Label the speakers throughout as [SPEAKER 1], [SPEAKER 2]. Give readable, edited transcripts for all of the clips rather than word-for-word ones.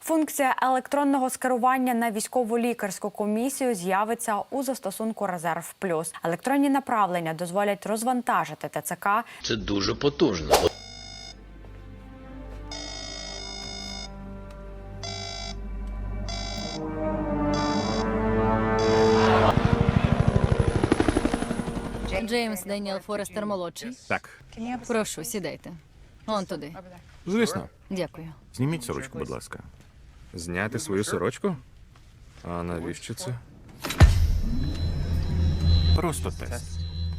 [SPEAKER 1] Функція електронного скерування на військово-лікарську комісію з'явиться у застосунку «Резерв Плюс». Електронні направлення дозволять розвантажити ТЦК.
[SPEAKER 2] Це дуже потужно.
[SPEAKER 3] Джеймс Деніел Форестер молодший.
[SPEAKER 4] Так,
[SPEAKER 3] Прошу, сідайте. Он туди.
[SPEAKER 4] звісно.
[SPEAKER 3] Дякую.
[SPEAKER 4] Зніміть сорочку, будь ласка. Зняти свою сорочку? А навіщо це? Просто тест.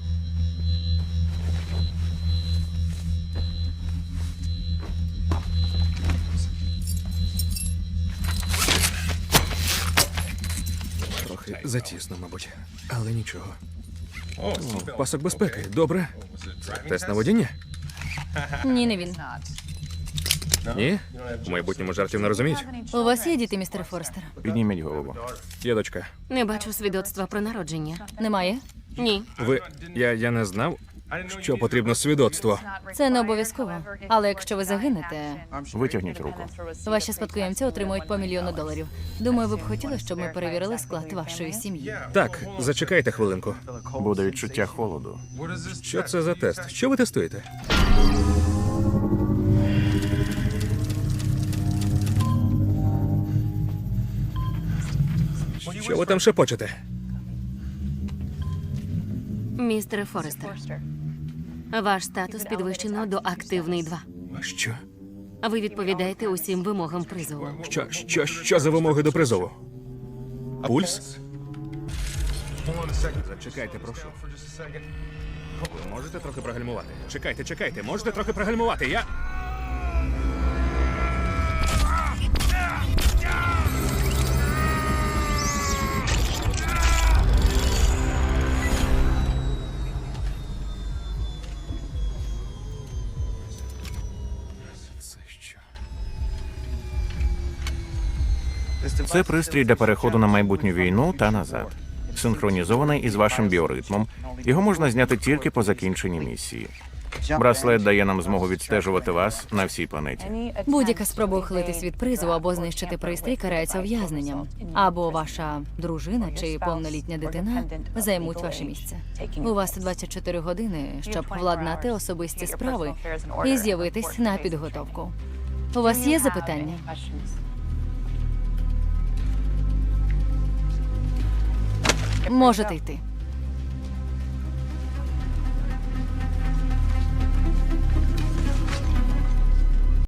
[SPEAKER 4] Трохи затісно, мабуть. Але нічого. О, пасок безпеки. Добре. Це тест на водіння?
[SPEAKER 3] Ні, не він.
[SPEAKER 4] Ні? У майбутньому жартів не розуміють?
[SPEAKER 3] У вас є діти, містер Форестер?
[SPEAKER 4] Підніміть голову. Є дочка.
[SPEAKER 5] Не бачу свідоцтва про народження.
[SPEAKER 3] Немає?
[SPEAKER 5] Ні.
[SPEAKER 4] Ви... Я не знав, що потрібно свідоцтво.
[SPEAKER 3] Це не обов'язково. Але якщо ви загинете,
[SPEAKER 4] Витягніть руку.
[SPEAKER 3] ваші спадкоємці отримують по $1 мільйон. Думаю, ви б хотіли, щоб ми перевірили склад вашої сім'ї.
[SPEAKER 4] Так, зачекайте хвилинку.
[SPEAKER 6] Буде відчуття холоду.
[SPEAKER 4] Що це за тест? Що ви тестуєте? Що ви там шепочете?
[SPEAKER 5] Містере Форестер, ваш статус підвищено до активний 2.
[SPEAKER 4] Що?
[SPEAKER 5] Ви відповідаєте усім вимогам призову.
[SPEAKER 4] Що за вимоги до призову? Пульс? Зачекайте, прошу. Ви можете трохи прогальмувати? Чекайте, можете трохи прогальмувати? Я... Це що?
[SPEAKER 6] Це пристрій для переходу на майбутню війну та назад. Синхронізований із вашим біоритмом. Його можна зняти тільки по закінченні місії. Браслет дає нам змогу відстежувати вас на всій планеті.
[SPEAKER 3] Будь-яка спроба ухилитись від призову або знищити пристрій карається ув'язненням. Або ваша дружина чи повнолітня дитина займуть ваше місце. У вас 24 години, щоб владнати особисті справи і з'явитись на підготовку. У вас є запитання? Можете йти.